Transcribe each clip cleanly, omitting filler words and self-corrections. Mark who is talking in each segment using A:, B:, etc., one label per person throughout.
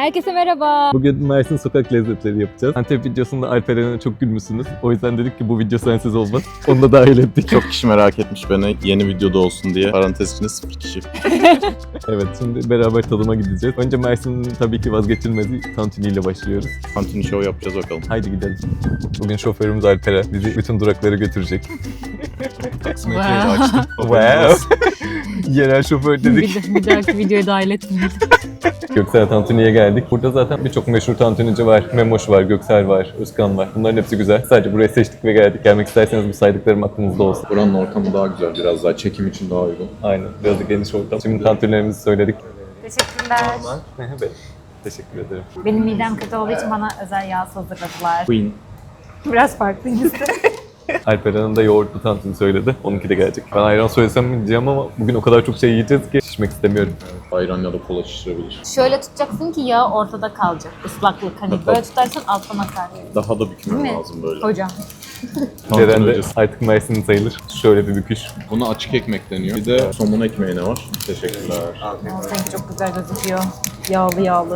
A: Herkese merhaba.
B: Bugün Mersin sokak lezzetleri yapacağız. Antep videosunda Alperen'e çok gülmüşsünüz. O yüzden dedik ki bu video sensiz olmaz. Onu da dahil ettik.
C: Çok kişi merak etmiş beni yeni videoda olsun diye. Parantez içinde 0 kişi.
B: Evet, şimdi beraber tadıma gideceğiz. Önce Mersin'in tabii ki vazgeçilmezi tantuni ile başlıyoruz.
C: Tantuni show yapacağız bakalım.
B: Haydi gidelim. Bugün şoförümüz Alperen bizi bütün duraklara götürecek.
C: Taksimetreyi de açtım.
B: Wow. Yerel şoför dedik.
A: Bir dahaki videoya dahil etmeyin.
B: Göksel Tantuni'ye geldik. Burada zaten birçok meşhur tantunici var. Memoş var, Göksel var, Özkan var. Bunların hepsi güzel. Sadece buraya seçtik ve geldik. Gelmek isterseniz bu saydıklarım aklınızda olsun.
C: Buranın ortamı daha güzel. Biraz daha çekim için daha uygun.
B: Aynen. Biraz da geniş ortam. Şimdi tantunilerimizi söyledik.
A: Teşekkürler.
B: Evet. Teşekkür ederim.
A: Benim midem kötü olduğu için bana özel yağ hazırladılar.
B: Queen.
A: Biraz farklıyız.
B: Alperen Hanım da yoğurtlu tantuni söyledi. Onunki de gelecek. Ben ayran söylesem mi diyeceğim ama bugün o kadar çok şey yiyeceğiz ki şişmek istemiyorum.
C: Ayran ya da kola şişirebilir.
A: Şöyle tutacaksın ki yağ ortada kalacak. Islaklık. Hani böyle tutarsan alttan akar.
C: Daha da bükmem
A: Değil mi?
C: lazım böyle.
A: Hocam.
B: Ceren de
C: öncesi.
B: artık Mersin'in sayılır. Şöyle bir büküş.
C: Buna açık ekmek deniyor. Bir de somun ekmeğine var. Teşekkürler.
A: Sanki çok güzel gözüküyor. Yağlı yağlı.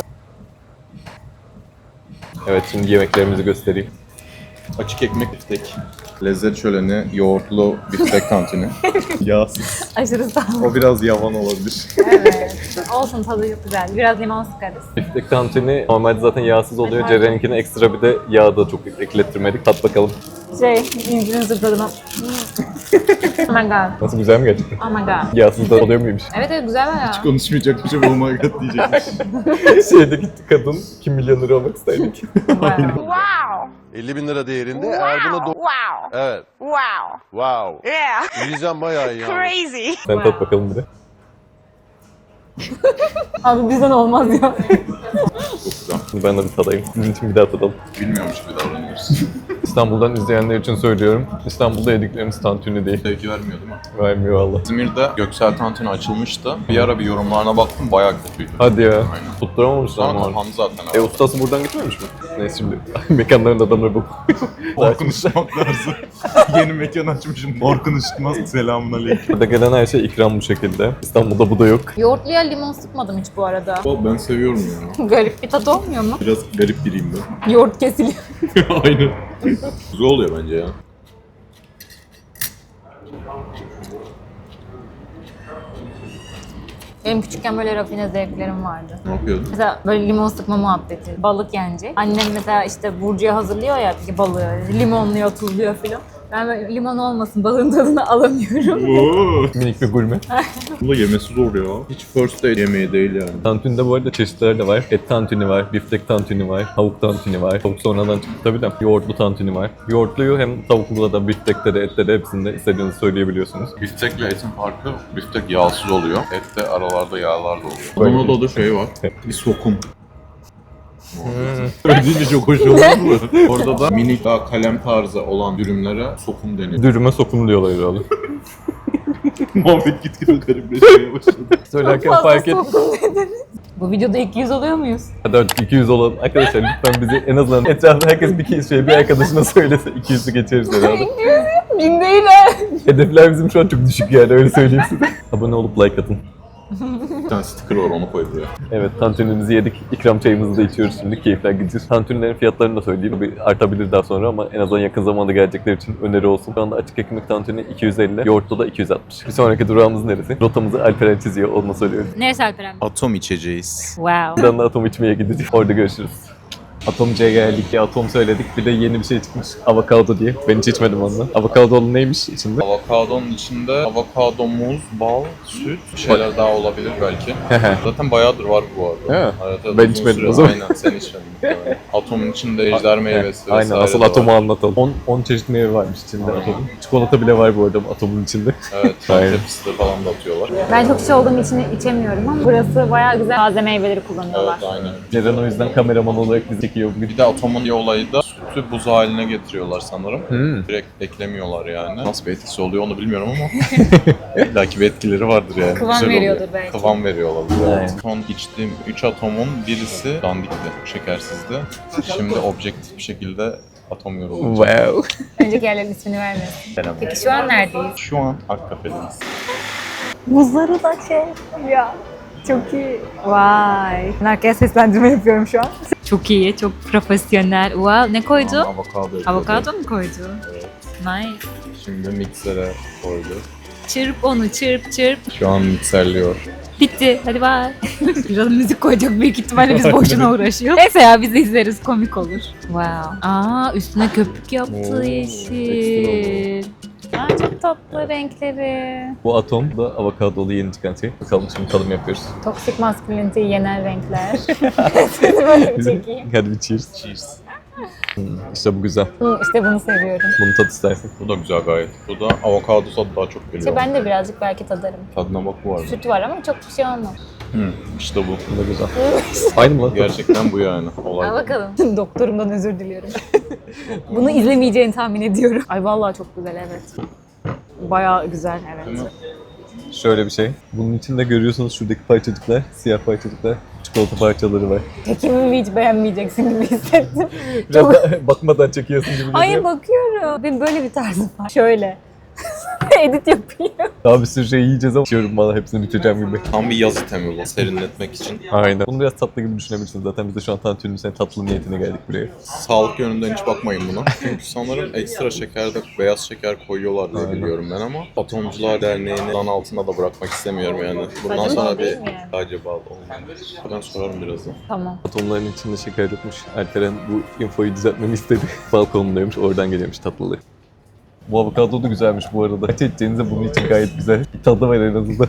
B: Evet, şimdi yemeklerimizi göstereyim.
C: Açık ekmek biftek. Lezzet şöleni, yoğurtlu biftek tantuni. Yağsız.
A: Aşırı sağlıklı.
C: O biraz yavan olabilir.
A: Evet. Olsun, tadı çok güzel. Biraz limon sıkarız.
B: Biftek tantuni normalde zaten yağsız oluyor. Ceren'inkine ekstra bir de yağ da çok eklettirmedik. Tat bakalım.
A: İncirin zırtladığına. Oh my god.
B: Nasıl, güzel mi gerçekten?
A: Oh my god.
B: Yağsız da oluyor muymuş?
A: Evet güzel bayağı.
C: Konuşmayacakmışım, oh my god diyecekmiş.
B: Şeyde gitti kadın, kim milyoner olmak isterdik.
A: Wow.
D: Wow.
E: 50 bin lira değerinde. Eğer buna
D: Wow.
E: Evet.
D: Wow.
E: Wow.
D: Yeah.
E: Yiyeceğim bayağı iyi yani.
D: Crazy.
B: Sen tat bakalım bir de.
A: Abi bizden olmaz ya.
B: Şimdi ben de bir tadayım. Sizin için bir daha tadalım.
C: Bilmiyormuş gibi davranıyoruz.
B: İstanbul'dan izleyenler için söylüyorum. İstanbul'da yediklerimiz tantuni değil.
C: Sevgi vermiyor değil mi?
B: Vermiyor valla.
C: İzmir'de Göksel Tantuni açılmıştı. Bir ara bir yorumlarına baktım, bayağı kötüydü.
B: Hadi ya.
C: Aynen.
B: Tutturamamışlar
C: Sonra
B: mı?
C: kapandı zaten.
B: Ustası buradan gitmemiş mi? Neyse şimdi mekanların adamları bu.
C: Orkun Işıtmak lazım. Yeni mekan açmışım. Orkun Işıtmaz, selamun aleyküm.
B: Burada gelen her şey ikram bu şekilde. İstanbul'da bu da yok.
A: Yoğurtluya limon sıkmadım hiç bu arada.
C: Ben seviyorum ya.
A: Garip bir tat olmuyor mu?
C: Biraz garip biriyim ben.
A: Yoğurt kesiliyor.
C: Aynen. Güzel oluyor bence ya.
A: Benim küçükken böyle rafine zevklerim vardı.
C: Ne yapıyordun?
A: Mesela böyle limon sıkma muhabbeti, balık yenecek. Annem mesela işte burcuya hazırlıyor ya balığı, limonluyor, tuzluyor filan. Ben böyle limon olmasın, balığın tadını alamıyorum.
C: Oo.
B: Minik bir gurme.
C: Bu da yemesi zor ya. Hiç first date yemeği değil yani.
B: Tantunide bu arada çeşitler de var. Et tantuni var, biftek tantuni var, tavuk tantuni var. Tavuk sonradan çıktı tabii de. Yoğurtlu tantuni var. Yoğurtluyu hem tavuklu da, biftekte de, ette de hepsinde istediğinizi söyleyebiliyorsunuz.
C: Biftekle etin farkı, biftek yağsız oluyor. Et de aralarda yağlar da oluyor.
B: Böyle.
C: Donada da şey var. Bir sokum. Ödeyince çok hoş oldu mu? Orada da minik daha kalem tarzı olan dürümlere sokum deniyor.
B: Dürüme sokum diyorlar herhalde.
C: Muhabbet gitgide garipleşmeye başladı.
B: Söylerken fark et.
A: Bu videoda 200 oluyor muyuz?
B: Hadi artık 200 olalım. Arkadaşlar lütfen bizi en azından etrafta herkes bir kez bir arkadaşına söylese 200'ü geçeriz herhalde.
A: 1000 değil ha.
B: Hedefler bizim şu an çok düşük yani, öyle söyleyeyim size. Abone olup like atın.
C: Bir tane sticker var, onu koy buraya.
B: Evet, tantunimizi yedik. İkram çayımızı da içiyoruz şimdi. Keyifler gideceğiz. Tantunilerin fiyatlarını da söyleyeyim. Bir artabilir daha sonra ama en azından yakın zamanda gelecekler için öneri olsun. Şu anda açık ekmek tantuni 250, yoğurtlu da 260. Bir sonraki durağımız neresi? Rotamızı Alperen çiziyor, onu söylüyorum.
A: Neresi Alperen?
C: Atom içeceğiz.
A: Wow.
B: Buradan da atom içmeye gideceğiz. Orada görüşürüz. Atomcuya geldik ya, atom söyledik. Bir de yeni bir şey çıkmış, avokado diye. Ben hiç içmedim ondan. Avokadolu neymiş içinde?
C: Avokadonun içinde avokado, muz, bal, süt, bir şeyler daha olabilir belki. Zaten bayağıdır var bu arada.
B: He.
C: Evet,
B: Ben
C: uzun
B: içmedim
C: süre-
B: o zaman.
C: Aynen, sen içmedin. Evet. Atomun içinde ejder meyvesi
B: Aynen,
C: vesaire
B: asıl
C: de
B: atomu
C: var.
B: anlatalım. 10 çeşit meyve varmış içinde atomun. Çikolata bile var bu arada atomun içinde.
C: Evet,
B: Aynen.
C: Antep fıstığı falan da atıyorlar.
A: Ben çok kişi olduğum için içemiyorum ama burası bayağı güzel taze meyveleri kullanıyorlar.
C: Evet, aynen.
B: Ceren o yüzden kameraman olarak bizi çekiyor bugün.
C: Bir de atomun bir olayı da sütü buz haline getiriyorlar sanırım.
B: Hmm.
C: Direkt eklemiyorlar yani. Nasıl bir etkisi oluyor onu bilmiyorum ama belki bir etkileri vardır yani.
A: Kıvam
C: Güzel
A: veriyordur
C: oluyor.
A: belki.
C: Kıvam veriyor olabilir.
B: Aynen.
C: Evet. Son içtiğim 3 atomun birisi dandikti, şekersizdi. Şimdi objektif bir şekilde atom yorulacak.
B: Wow.
A: Önceki yerlerin ismini vermiyorsun.
C: Selam.
A: Peki şu an neredeyiz?
C: Şu an Akkafe'deyiz.
A: Buzları da şey ya. Çok iyi. Vay. Ben arkaya seslendirme yapıyorum şu an. Çok iyi, çok profesyonel. Wow, ne koydu?
C: Avokado.
A: Avokado mu koydu?
C: Evet.
A: Nice.
C: Şimdi miksere koydu.
A: Çırp onu, çırp çırp.
C: Şu an mikserliyor.
A: Bitti. Hadi bye. Biraz müzik koyacak büyük ihtimalle biz boşuna uğraşıyoruz. Neyse ya biz de izleriz. Komik olur. Wow. Aa üstüne köpük yaptı
C: Oo,
A: yeşil. Aa çok tatlı renkleri.
B: Bu atom da avokadolu yeni çıkan şey. Bakalım şimdi tadım yapıyoruz.
A: Toksik masküliniteyi yenen renkler. Seni böyle bir çekeyim.
B: Hadi bir cheers.
C: Cheers.
B: İşte bu güzel.
A: İşte bunu seviyorum.
B: Bunu tat istersen.
C: Bu da güzel gayet. Bu da avokado tadı daha çok geliyor.
A: İşte ben de birazcık belki tadarım.
C: Tadına bak bu arada.
A: Süt var ama çok bir şey olmaz.
C: İşte bu.
B: Bu da güzel. Aynı mı lan?
C: Gerçekten bu yani. Olay.
A: Al bakalım. Doktorumdan özür diliyorum. Bunu izlemeyeceğini tahmin ediyorum. Ay vallahi çok güzel evet. Bayağı güzel evet.
B: Şöyle bir şey. Bunun içinde görüyorsunuz şuradaki parçacıklar, siyah parçacıklar, çikolata parçaları var.
A: Tekimi hiç beğenmeyeceksin gibi hissettim.
B: Biraz da bakmadan çekiyorsun gibi
A: Hayır
B: geliyor.
A: bakıyorum. Benim böyle bir tarzım var. Şöyle. Edit yapayım.
B: Daha bir sürü şey yiyeceğiz ama içiyorum valla hepsini bitireceğim gibi.
C: Tam bir yaz itemi bu. Serinletmek için.
B: Aynen. Bunu biraz tatlı gibi düşünebilirsiniz. Zaten biz de şu an tantuninin senin tatlı niyetine geldik buraya.
C: Sağlık yönünden hiç bakmayın buna. Çünkü sanırım ekstra şekerde beyaz şeker koyuyorlar diye
B: Aynen.
C: biliyorum ben ama Atomcular Derneği'ni lan altında da bırakmak istemiyorum yani. Bundan
A: Saçma
C: sonra
A: değil
C: bir
A: mi yani?
C: sadece bağlı olmalı. Ben sorarım birazdan.
A: Tamam.
B: Atomların içinde şeker yokmuş. Alperen bu infoyu düzeltmemi istedi. Balkonundaymış, oradan geliyormuş tatlılığı. Bu avokado da güzelmiş bu arada. Kaç edeceğinize bunun için gayet güzel. Bir tadı var en azından.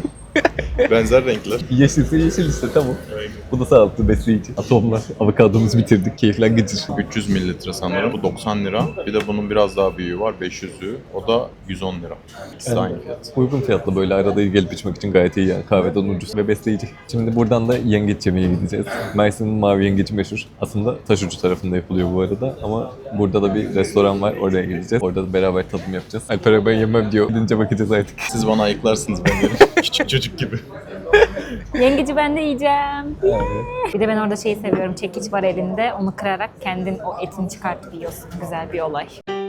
C: Benzer renkler.
B: Yeşilse yeşil işte tamam. Bu da sağlıklı besleyici. Atomlar. Avokadomuzu bitirdik. Keyifler gıcır.
C: 300 mililitre sanırım. Bu 90 lira. Bir de bunun biraz daha büyüğü var. 500'ü. O da 110 lira. İkisi de aynı fiyat.
B: Uygun fiyatlı böyle arada gelip içmek için gayet iyi yani. Kahveden ucuz ve besleyici. Şimdi buradan da yengeç yemeye gideceğiz. Mersin'in mavi yengeci meşhur. Aslında Taşucu tarafında yapılıyor bu arada ama burada da bir restoran var. Oraya gideceğiz. Orada da beraber tadım yapacağız. Alper ben yemem diyor. Gidince bakacağız artık.
C: Siz bana ayıklarsınız ben yerim. Küçük çocuk gibi.
A: Yengeci ben de yiyeceğim. Bir de ben orada şeyi seviyorum. Çekiç var elinde. Onu kırarak kendin o etini çıkartıp yiyorsun. Güzel bir olay.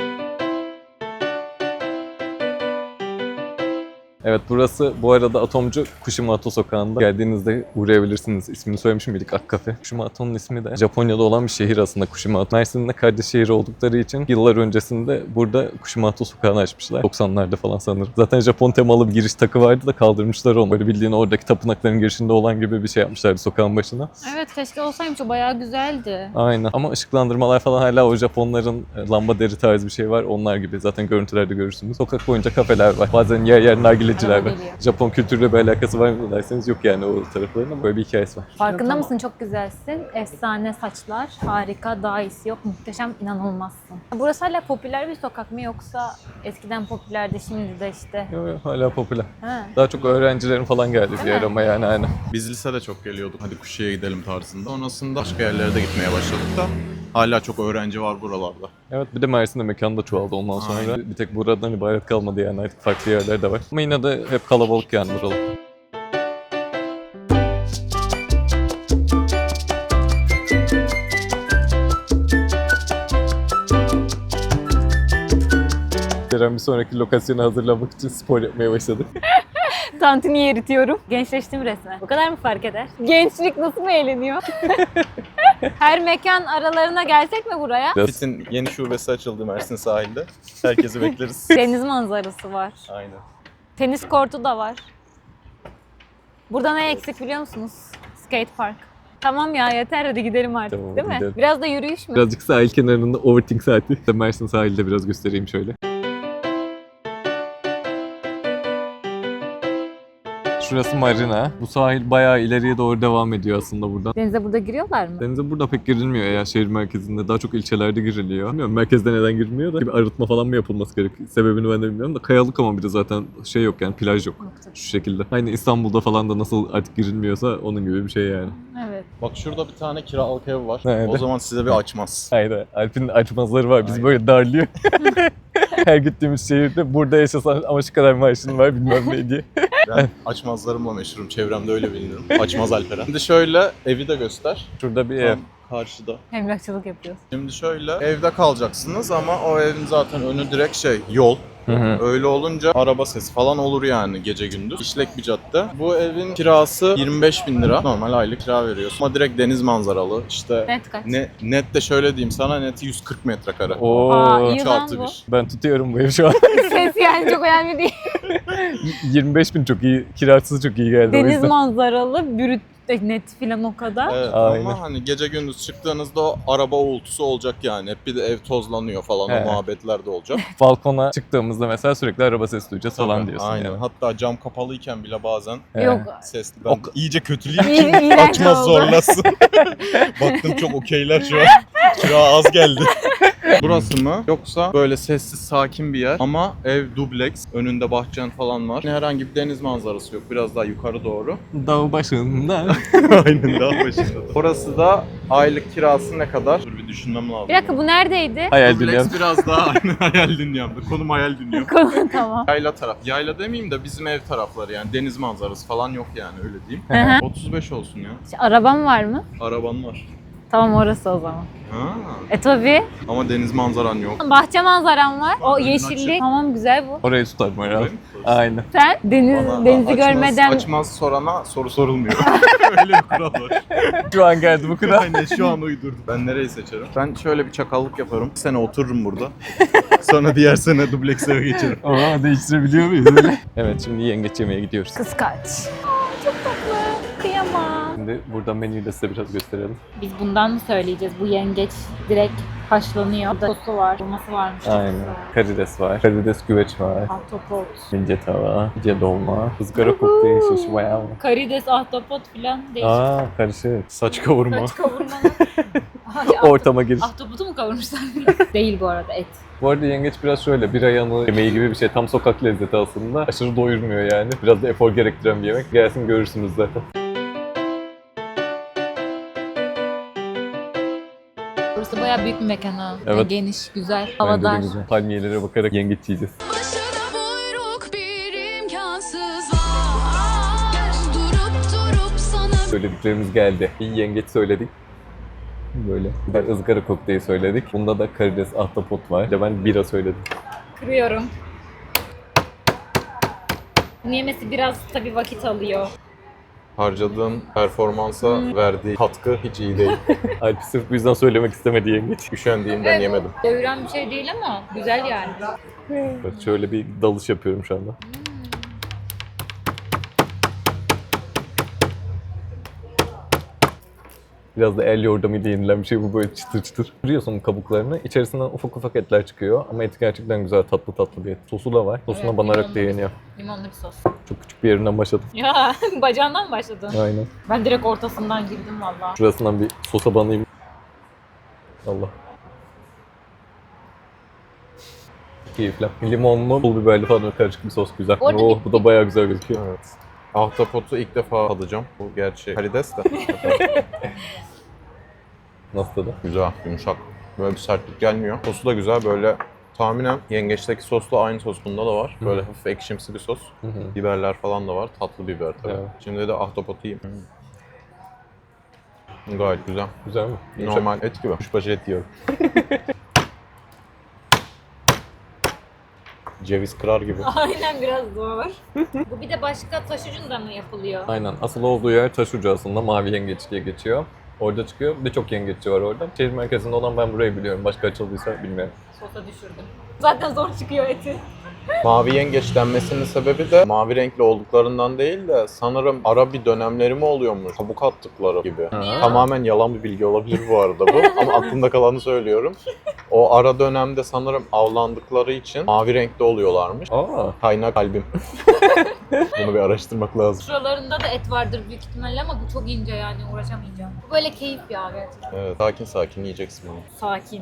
B: Evet burası bu arada Atomcu Kushimato sokağında. Geldiğinizde uğrayabilirsiniz. İsmini söylemiş miydik? Akkafe. Kushimato'nun ismi de Japonya'da olan bir şehir aslında Kushimato. Mersin'de kardeş şehir oldukları için yıllar öncesinde burada Kushimato sokağını açmışlar. 90'larda falan sanırım. Zaten Japon temalı bir giriş takı vardı da kaldırmışlar onu. Böyle bildiğin oradaki tapınakların girişinde olan gibi bir şey yapmışlardı sokağın başına.
A: Evet keşke olsaymış o bayağı güzeldi.
B: Aynen. Ama ışıklandırmalar falan hala o Japonların lamba deri tarzı bir şey var. Onlar gibi. Zaten görüntülerde görürsünüz. Sokak boyunca kafeler var. Bazen yer yer nargileciler
A: Araba
B: var.
A: geliyor.
B: Japon kültürüyle bir alakası var mı derseniz yok yani o tarafların ama böyle bir hikayesi var.
A: Farkında mısın? Çok güzelsin. Efsane saçlar. Harika. Daha iyisi yok. Muhteşem. İnanılmazsın. Burası hala popüler bir sokak mı yoksa eskiden popülerdi şimdi de işte.
B: Yo, yo, hala popüler.
A: Ha.
B: Daha çok öğrencilerin falan geldiği bir
A: Değil
B: yer
A: mi?
B: ama yani aynen.
C: Biz lisede çok geliyorduk. Hadi Kuşçu'ya gidelim tarzında. Sonrasında başka yerlere de gitmeye başladık da hala çok öğrenci var buralarda.
B: Evet bir de Mersin'de mekan da çoğaldı ondan sonra.
C: Aynen.
B: Bir tek buradan ibaret kalmadı yani artık farklı yerler de var. Ama yine de hep kalabalık yani buralar. Ceren bir sonraki lokasyona hazırlanmak için spor yapmaya başladı.
A: Tantuni eritiyorum. Gençleştim resmen. Bu kadar mı fark eder? Gençlik nasıl mı eğleniyor? Her mekan aralarına gelsek mi buraya?
B: Biraz
C: Fit'in yeni şubesi açıldı Mersin sahilde. Herkesi bekleriz.
A: Deniz manzarası var.
C: Aynen.
A: Tenis kortu da var. Burada ne eksik biliyor musunuz? Skate park. Tamam ya yeter hadi gidelim artık
B: Tamam,
A: değil mi?
B: gidelim.
A: Biraz da yürüyüş mü?
B: birazcık sahil kenarında overthink saati. Mersin sahilde biraz göstereyim şöyle. Şurası marina. Bu sahil bayağı ileriye doğru devam ediyor aslında buradan.
A: Denize burada giriyorlar mı?
B: Denize burada pek girilmiyor ya şehir merkezinde. Daha çok ilçelerde giriliyor. Bilmiyorum merkezde neden girilmiyor da. Bir arıtma falan mı yapılması gerek? Sebebini ben de bilmiyorum da. Kayalık ama bir de zaten şey yok yani plaj yok. Şu şekilde. Aynı İstanbul'da falan da nasıl artık girilmiyorsa onun gibi bir şey yani.
A: Evet.
C: Bak şurada bir tane kiralık ev var.
B: Nerede?
C: O zaman size bir açmaz.
B: Aynen. Alp'in açmazları var. Bizi böyle darlıyor. Her gittiğimiz şehirde burada yaşasan ama şu kadar maaşın var bilmem ne diye.
C: Ben açmazlarımla meşhurum. Çevremde öyle bilinirim. Açmaz Alperen. Şimdi şöyle evi de göster.
B: Şurada bir ev.
C: Tam karşıda.
A: Emlakçılık yapıyoruz.
C: Şimdi şöyle evde kalacaksınız ama o evin zaten önü direkt yol. Öyle olunca araba sesi falan olur yani gece gündüz. İşlek bir cadde. Bu evin kirası 25.000 lira. Normal aylık kira veriyorsun. Ama direkt deniz manzaralı. İşte
A: Net kaç?
C: net de şöyle diyeyim sana, net 140 metrekare.
B: Oo.
A: Aa, iyi
C: 3
A: lan
C: artı
A: bu.
C: 1.
B: Ben tutuyorum bu evi şu an.
A: Ses yani çok önemli değil.
B: 25.000 çok iyi. Kirasız çok iyi geldi o
A: Deniz
B: yüzden.
A: manzaralı, brüt net filan o kadar.
C: Evet
B: Aynen.
C: ama hani gece gündüz çıktığınızda o araba uğultusu olacak yani. Hep bir de ev tozlanıyor falan,
B: Evet.
C: o muhabbetler de olacak.
B: Balkona çıktığımızda mesela sürekli araba sesi duyacağız falan
C: Tabii,
B: diyorsun
C: aynen.
B: yani.
C: Hatta cam kapalıyken bile bazen
A: Yok.
C: sesli. Ben iyice kötüleyeyim
A: İyi-
C: ki
A: iğrenç
C: açmaz
A: oldu.
C: zorlasın. Baktım çok okeyler şu an. Kira az geldi. Burası mı? Yoksa böyle sessiz sakin bir yer ama ev dubleks. Önünde bahçen falan var. Herhangi bir deniz manzarası yok. Biraz daha yukarı doğru.
B: Dağ başında.
C: Aynen, daha başında. Orası da aylık kirası ne kadar? Dur bir düşünmem lazım.
A: Bir dakika, bu neredeydi?
B: Hayal
C: Dubleks
B: dünyam.
C: biraz daha aynen hayal dünyamda. Konum hayal dünyam.
A: Tamam.
C: Yayla taraf. Yayla demeyeyim de bizim ev tarafları yani. Deniz manzarası falan yok yani, öyle diyeyim.
A: Hı hı.
C: 35 olsun ya.
A: Arabam var mı?
C: Araban var.
A: Tamam, orası o zaman.
C: Ha.
A: Tabii.
C: Ama deniz manzaran yok.
A: Bahçe manzaram var. O
C: Önün
A: yeşillik.
C: açık.
A: Tamam, güzel bu.
B: Orayı tutarım herhalde.
C: Öyle mi?
B: Aynen.
A: Sen denizi görmeden
C: Açmaz sorana soru sorulmuyor. Öyle bir kural var.
B: Şu an geldi bu kadar.
C: Aynen, şu an uydurdum. Ben nereyi seçerim? Ben şöyle bir çakallık yaparım. Bir sene otururum burada. Sonra diğer sene dubleks eve geçerim.
B: Aa, değiştirebiliyor muyuz öyle? Evet, şimdi yengeç yemeye gidiyoruz.
A: kıskaç. Çok tatlı. Kıyamam.
B: Şimdi buradan menüyü de size biraz gösterelim.
A: Biz bundan mı söyleyeceğiz? Bu yengeç direkt haşlanıyor. Burada sosu var, dolması varmış.
B: Aynen. Karides var. Karides güveç var.
A: Ahtapot.
B: İnce tava, ince dolma, ızgara kokteyl şiş, wow.
A: Karides, ahtapot filan değişik.
B: Aa, karışık. Saç kavurma.
A: Kaç kavurma.
B: Ortama giriş.
A: Ahtapotu mu kavurmuşlar? Değil bu arada, et.
B: Bu arada yengeç biraz şöyle bir ayağını yemeği gibi bir şey. Tam sokak lezzeti aslında. Aşırı doyurmuyor yani. Biraz da efor gerektiren bir yemek. Gelsin görürsünüz zaten.
A: Burası bayağı büyük bir mekan ha.
B: Evet.
A: Yani geniş, güzel,
B: Bence de
A: havadar.
B: güzel. Palmiyelere bakarak yengeç yiyeceğiz.
D: Başına buyruk bir imkansız var. Durup sana
B: Söylediklerimiz geldi. İyi yengeç söyledik. Böyle. Bir de ızgara kokteyl söyledik. Bunda da karides, ahtapot var. Bir de ben bira söyledim.
A: Kırıyorum. Bunu yemesi biraz tabii vakit alıyor.
C: Harcadığın performansa verdiği katkı hiç iyi değil.
B: Alp sırf bu yüzden söylemek istemedi yengeç.
C: Üşendiğimden yemedim.
A: Doyuran bir şey değil ama güzel yani.
B: Bak şöyle bir dalış yapıyorum şu anda. Biraz da el yordamıyla yenilen bir şey bu, böyle çıtır çıtır. Kırıyorsun kabuklarını, içerisinden ufak ufak etler çıkıyor ama eti gerçekten güzel, tatlı tatlı bir et. Sosu da var. Sosuna
A: Evet,
B: banarak
A: limonlu
B: da yeniyor.
A: Limonlu bir sos.
B: Çok küçük bir yerinden başladım.
A: Ya bacağından mı başladın?
B: Aynen.
A: Ben direkt ortasından girdim valla.
B: Şurasından bir sosa banayım. Allah. Keyifli. Limonlu, pul biberli falan karışık bir sos güzel.
A: Orada
B: Oh,
A: bir-
B: bu da bayağı güzel gözüküyor.
C: Evet. Ahtapotu ilk defa tadacağım. Bu gerçi karides de.
B: Nasıl tadı?
C: Güzel, yumuşak. Böyle bir sertlik gelmiyor. Sosu da güzel, böyle tahminen yengeçteki sosla aynı sos bunda da var. Böyle hafif ekşimsi bir sos. Biberler falan da var. Tatlı biber tabii.
B: Evet.
C: Şimdi de ahtapotu yiyeyim. Gayet güzel.
B: Güzel mi?
C: Normal et gibi. Kuşbaşı et yiyorum. Ceviz kırar gibi.
A: Aynen, biraz zor. Bu bir de başka taş ucunda mı yapılıyor?
B: Aynen. Asıl olduğu yer Taşucu aslında. Mavi Yengeç diye geçiyor. Orada çıkıyor. Bir de çok yengeççi var orada. Şehir merkezinde olan ben burayı biliyorum. Başka açıldıysa bilmiyorum.
A: Sosa düşürdüm. Zaten zor çıkıyor eti.
C: Mavi yengeç denmesinin sebebi de mavi renkli olduklarından değil de sanırım ara bir dönemleri mi oluyormuş? Kabuk attıkları gibi.
B: Ha.
C: Tamamen yalan bir bilgi olabilir bu arada bu ama aklımda kalanı söylüyorum. O ara dönemde sanırım avlandıkları için mavi renkli oluyorlarmış.
B: Aa,
C: Kaynak kalbim. Bunu bir araştırmak lazım.
A: Şuralarında da et vardır büyük ihtimalle ama bu çok ince yani, uğraşamayacağım. Bu böyle keyif ya gerçekten.
C: Evet, sakin sakin yiyeceksin bunu.
A: Sakin.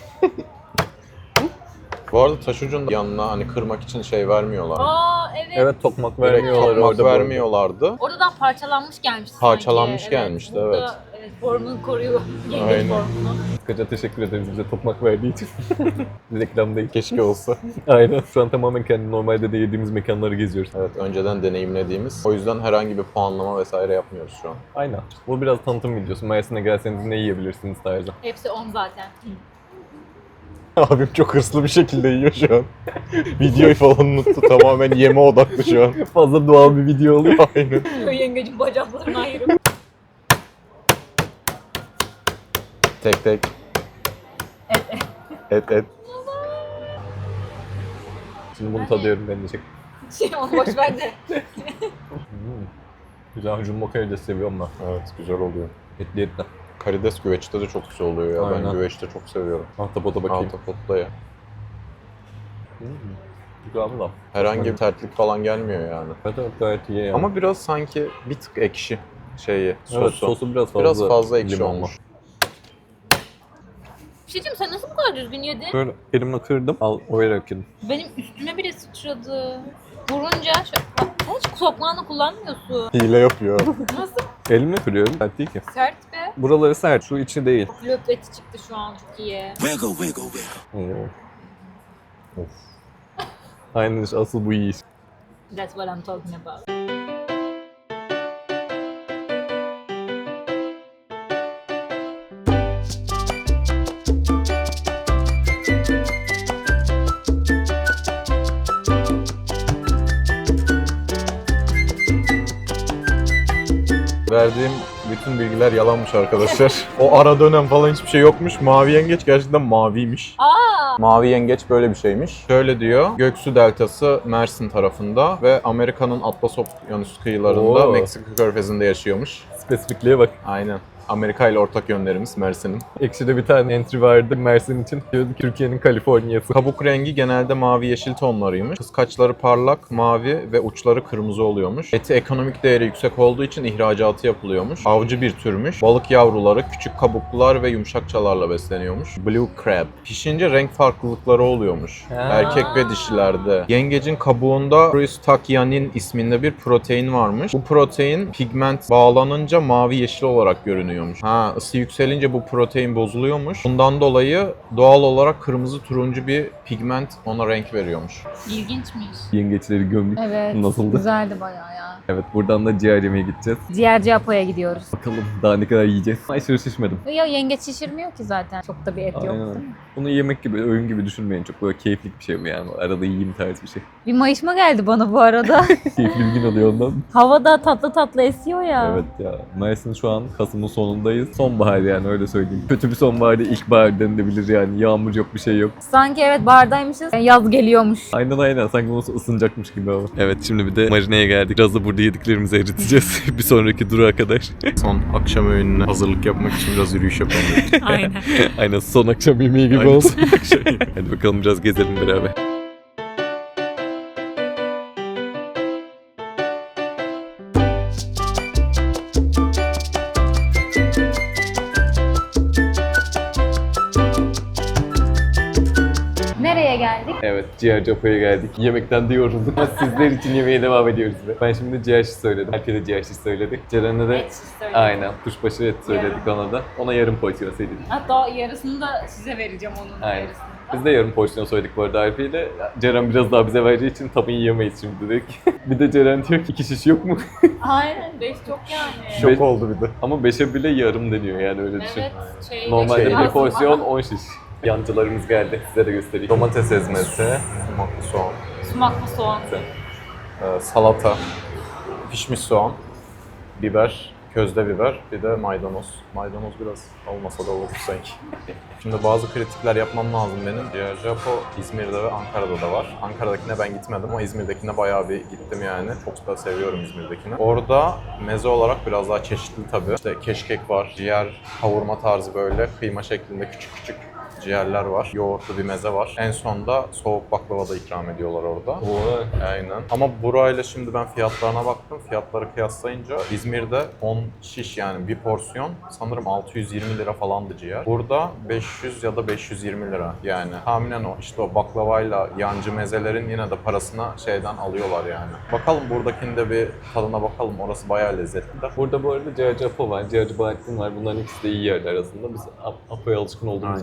C: Bu arada taş ucunun yanına hani kırmak için şey vermiyorlar.
A: Aa evet.
B: evet, tokmak
C: Direkt
B: vermiyorlar
C: tokmak
B: orada. bu arada.
C: vermiyorlardı.
A: Oradan parçalanmış gelmişti
C: Parçalanmış
A: sanki.
C: gelmişti,
A: Burada, evet. Formunu koruyor. Yengeç
C: Aynen.
A: formunu.
B: Kısaca teşekkür ederiz bize tokmak verdiği için. Reklam değil.
C: Keşke olsa.
B: Aynen. Şu an tamamen kendi normalde de yediğimiz mekanları geziyoruz.
C: Evet, önceden deneyimlediğimiz. O yüzden herhangi bir puanlama vesaire yapmıyoruz şu an.
B: Aynen. Bu biraz tanıtım videosu. Mersin'e gelseniz ne yiyebilirsiniz tarzı.
A: Hepsi 10 zaten.
C: Abim çok hırslı bir şekilde yiyor şu an. Videoyu falan unuttu. Tamamen yeme odaklı şu an.
B: Fazla doğal bir video oluyor.
C: Aynen.
A: Yengecin bacaklarını ayırıp.
C: Tek tek. Et.
B: Şimdi bunu tadıyorum ben de çek.
A: Onu boş ver de.
B: Güzel jumbo karides seviyorum ben.
C: Evet, güzel oluyor.
B: Etli etli.
C: Karides güveçte de çok güzel oluyor ya.
B: Aynen.
C: Ben güveçte çok seviyorum.
B: Ahtapota bakayım.
C: Ahtapot'ta ya.
B: Güzel mi lan?
C: Herhangi bir sertlik falan gelmiyor yani.
B: Evet gayet iyi yani.
C: Ama biraz sanki bir tık ekşi şeyi, sosu.
B: evet, sosu biraz fazla.
C: Biraz fazla ekşi
B: limonlu.
C: olmuş.
A: Bir şey diyeyim, sen nasıl bu kadar düzgün yedin?
B: Böyle elimle kırdım. Al oyalarak yedim.
A: Benim üstüme bile sıçradı. Vurunca sen hiç soklağını kullanmıyorsun.
C: Hile yapıyor.
A: Nasıl
B: Elimle kırıyorum. Sert değil ki.
A: sert be?
B: Buraları sert. Şu içi değil.
A: Löp eti çıktı şu an, çok iyi.
B: Of. Aynen işte asıl bu iyi iş.
A: That's what I'm talking about.
C: Verdiğim bütün bilgiler yalanmış arkadaşlar. O ara dönem falan hiçbir şey yokmuş. Mavi yengeç gerçekten maviymiş. Mavi yengeç böyle bir şeymiş. Şöyle diyor. Göksu Deltası Mersin tarafında ve Amerika'nın Atlas Okyanusu kıyılarında
B: Oo.
C: Meksika Körfezi'nde yaşıyormuş.
B: Spesifikliğe bak.
C: Aynen. Amerika ile ortak yönlerimiz Mersin'in.
B: Ekşi'de bir tane entry vardı Mersin için. Diyordu ki Türkiye'nin Kaliforniyası.
C: Kabuk rengi genelde mavi yeşil tonlarıymış. Kıskaçları parlak, mavi ve uçları kırmızı oluyormuş. Eti ekonomik değeri yüksek olduğu için ihracatı yapılıyormuş. Avcı bir türmüş. Balık yavruları küçük kabuklular ve yumuşakçalarla besleniyormuş. Blue crab. Pişince renk farklılıkları oluyormuş. Erkek ve dişilerde. Yengecin kabuğunda Crustacyanin isminde bir protein varmış. Bu protein pigment bağlanınca mavi yeşil olarak görünüyormuş. Isı yükselince bu protein bozuluyormuş. Bundan dolayı doğal olarak kırmızı turuncu bir pigment ona renk veriyormuş.
A: İlginçmiş.
B: Yengeçleri gömdük.
A: Evet.
B: Nasıldı?
A: Güzeldi bayağı ya.
B: Evet buradan da ciğer yemeye gideceğiz.
A: Ciğerci Apo'ya gidiyoruz.
B: Bakalım daha ne kadar yiyeceğiz. Aşırı şişmedim.
A: Ya yengeç şişirmiyor ki zaten. Çok da bir et yok değil
B: Aynen.
A: mi?
B: Bunu yemek gibi, öğün gibi düşünmeyin. Çok böyle keyiflik bir şey bu yani. Arada yiyeyim tarzı bir şey.
A: Bir mayışma geldi bana bu arada.
B: Keyifli bir gün oluyor ondan.
A: Hava da tatlı tatlı esiyor ya.
B: Evet ya. Mersin şu an Kasım'ın sonundayız. Sonbahar yani öyle söyleyeyim. Kötü bir sonbahar değil, ilkbahar denilebilir yani. Yağmur yok, bir şey yok.
A: Sanki evet bardaymışız. Yaz geliyormuş.
B: Aynen. Sanki bunu ısınacakmış gibi ama. Evet şimdi bir de marineye geldik. Biraz da burada yediklerimizi eriteceğiz. bir sonraki durağa kadar.
C: Son akşam öğününe hazırlık yapmak için biraz yürüyüş yapalım.
A: Aynen.
B: Aynen son akşam yemeği gibi
C: Aynen.
B: olsun. Hadi bakalım biraz gezelim beraber.
A: Nereye geldik?
B: Evet, ciğer Apo'ya geldik. Yemekten de yorulduk ama sizler için yemeğe devam ediyoruz be. Ben şimdi ciğer şiş söyledim. Alp'e de ciğer şiş söyledi. Ceren'e de
A: Et söyledim.
B: aynen kuşbaşı et söyledik ona da. Ona yarım porsiyon söyledik.
A: Hatta yarısını da size vereceğim onun
B: Aynen.
A: yarısını.
B: Biz de yarım porsiyon söyledik bu arada Alp'e ile. Ceren biraz daha bize vereceği için tabii yiyemeyiz şimdi dedik. bir de Ceren diyor ki 2 şiş yok mu?
A: Aynen 5 çok yani.
C: Şok oldu bir de.
B: Ama 5'e bile yarım deniyor yani öyle düşün.
A: Evet.
B: Normalde
C: Şey-
B: bir porsiyon 10 şiş. Yancılarımız geldi. Size de göstereyim. Domates ezmesi,
C: Sumaklı soğan,
A: Sumaklı soğan.
C: salata, pişmiş soğan, biber, közde biber, bir de maydanoz. Maydanoz biraz olmasa da olur sanki. Şimdi bazı kritikler yapmam lazım benim. Ciğerci Apo İzmir'de ve Ankara'da da var. Ankara'dakine ben gitmedim ama İzmir'dekine bayağı bir gittim yani. Çok da seviyorum İzmir'dekini. Orada meze olarak biraz daha çeşitli tabii. İşte keşkek var, ciğer, kavurma tarzı böyle kıyma şeklinde küçük küçük ciğerler var. Yoğurtlu bir meze var. En sonda soğuk baklava da ikram ediyorlar orada. Aynen. Ama burayla şimdi ben fiyatlarına baktım. Fiyatları kıyaslayınca İzmir'de 10 şiş yani bir porsiyon sanırım 620 lira falandı ciğer. Burada 500 ya da 520 lira yani. Tahminen o işte o baklavayla yancı mezelerin yine de parasına şeyden alıyorlar yani. Bakalım buradakinde bir tadına bakalım. Orası bayağı lezzetli de.
B: Burada bu arada ciğerci Apo var, ciğerci Bahattin var. Bunların ikisi de iyi yerler aslında. Biz Apo'ya alışkın olduğumuz
C: Aynen.
B: için buraya geldik.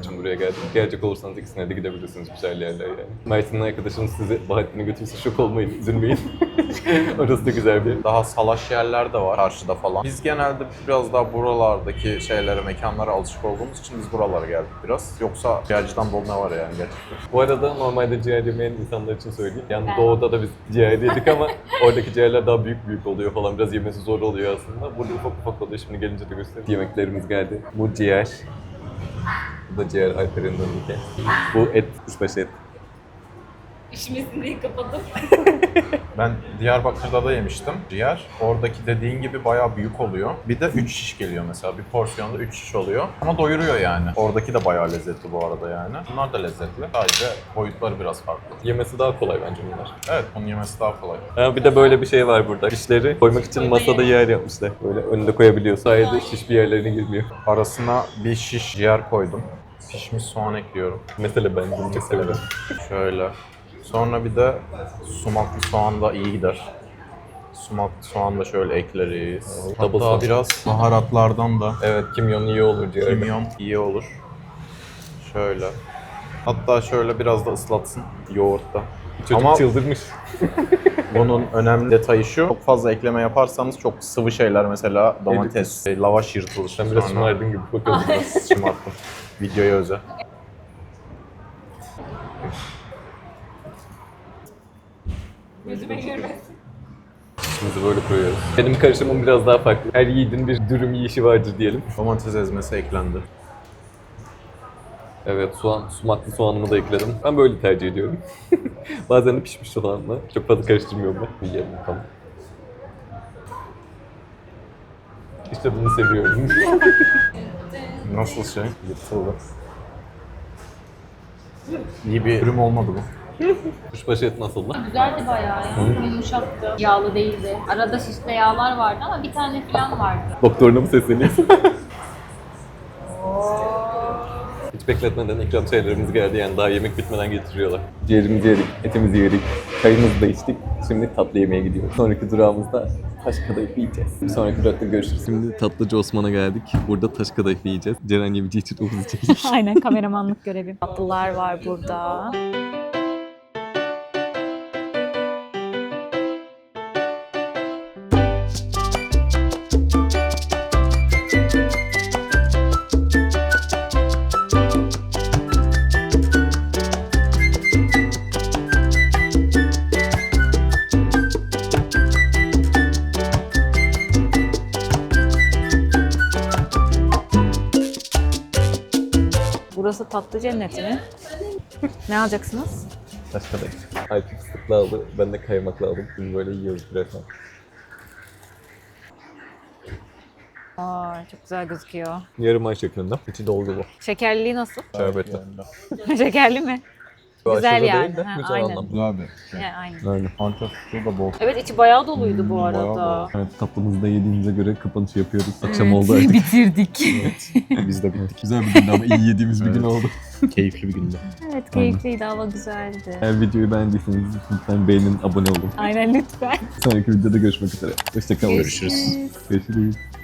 B: geldim. Gelecek olursanız ikisine de gidebilirsiniz, güzel yerler yani. Mersin'in arkadaşınız size Bahattin'e götürürse şok olmayın, üzülmeyin. Orası da güzel bir yer.
C: Daha salaş yerler de var karşıda falan. Biz genelde biraz daha buralardaki şeylere, mekanlara alışık olduğumuz için biz buralara geldik biraz. Yoksa ciğerciden bol ne var yani gerçekten.
B: Bu arada normalde ciğer yemeyen insanlar için söyleyeyim. Yani doğuda da biz ciğer yedik ama oradaki ciğerler daha büyük oluyor falan. Biraz yemesi zor oluyor aslında. Burada ufak oluyor. Şimdi gelince de göstereyim. Yemeklerimiz geldi. Bu ciğer. Bu da ciğer Alper'in önünde. Bu et, kuşbaşı et.
A: İşimizin kapatıp.
C: Ben Diyarbakır'da da yemiştim ciğer. Oradaki dediğin gibi bayağı büyük oluyor. Bir de 3 şiş geliyor mesela. Bir porsiyonda 3 şiş oluyor. Ama doyuruyor yani. Oradaki de bayağı lezzetli bu arada yani. Bunlar da lezzetli. Sadece boyutları biraz farklı.
B: Yemesi daha kolay bence bunlar.
C: Evet, bunun yemesi daha kolay.
B: Ha, bir de böyle bir şey var burada. Şişleri koymak için masada yer yapmışlar. Böyle önünde koyabiliyor. Sayede şiş bir yerlerine girmiyor.
C: Arasına bir şiş ciğer koydum. Pişmiş soğan ekliyorum.
B: Mesela ben bunu çok severim.
C: Şöyle. Sonra bir de sumaklı soğan da iyi gider. Sumaklı soğan da şöyle ekleriz.
B: Double
C: Hatta
B: soğan.
C: biraz baharatlardan da
B: Evet, kimyon iyi olur ciğerde.
C: kimyon iyi olur. Şöyle. Hatta şöyle biraz da ıslatsın yoğurtta.
B: Çocuk
C: Ama
B: çıldırmış.
C: bunun önemli detayı şu. Çok fazla ekleme yaparsanız çok sıvı şeyler mesela domates, lavaş yırtılır.
B: Sen biraz şımardın gibi bakıyorsun.
C: Biraz şımarttım. Videoya özel.
A: Yüzüme girmesin.
B: Şimdi böyle koyuyoruz. Benim karışımım biraz daha farklı. Her yiğidin bir dürüm yiyişi vardır diyelim.
C: Domates ezmesi eklendi.
B: Evet, sumaklı soğanımı da ekledim. Ben böyle tercih ediyorum. Bazen de pişmiş soğanla. Çok fazla karıştırmıyorum ben. Yiyelim bakalım. İşte bunu seviyorum.
C: Nasıl şey? Yırtıldı. İyi bir ürün olmadı bu.
B: Kuşbaşı et nasıl lan?
A: Güzeldi bayağı ya. Yumuşaktı. Yağlı değildi. Arada şişte yağlar vardı ama bir tane falan vardı.
B: Doktoruna mı sesleniyorsun? Hiç bekletmeden ikram şeylerimiz geldi, yani daha yemek bitmeden getiriyorlar. Ciğerimizi yedik, etimizi yedik, çayımızı da içtik. Şimdi tatlı yemeğe gidiyoruz. Sonraki durağımızda taş kadayıf yiyeceğiz. Bir sonraki durakta görüşürüz. Şimdi tatlıcı Osman'a geldik. Burada taş kadayıf yiyeceğiz. Ceren Yevici için ofisi çekilmiş.
A: Aynen, kameramanlık görevim. Tatlılar var burada. Burası tatlı cenneti mi? Ne alacaksınız?
B: Taş kadayıf. Alp fıstıklı aldı, ben de kaymaklı aldım. Biz böyle yiyoruz birazdan.
A: Aa, çok güzel gözüküyor.
B: Yarım ay şeklinde. İçi dolgu bu.
A: Şekerliliği nasıl?
B: Şerbetli.
A: Şekerli mi?
B: Bu
A: Güzel
B: aşırı
A: yani.
B: değil de
A: Ha,
B: güzel
A: aynen.
B: anlamda.
C: Güzel bir
A: Yani aynen.
B: Aynen.
C: Antep suyu da bol.
A: Evet, içi bayağı doluydu bu arada.
C: bayağı
B: Evet, tatlımızı da yediğimize göre kapanışı yapıyoruz. Akşam oldu artık.
A: Bitirdik.
C: Biz de bittik.
B: Güzel bir gündü ama iyi yediğimiz bir gün oldu.
C: Keyifli bir gündü.
A: Evet, keyifliydi, hava güzeldi.
B: Eğer videoyu beğendiyseniz lütfen beğenin, abone olun.
A: Aynen, lütfen.
B: Sonraki videoda görüşmek üzere. Hoşçakalın.
C: Görüşürüz.
B: Görüşürüz.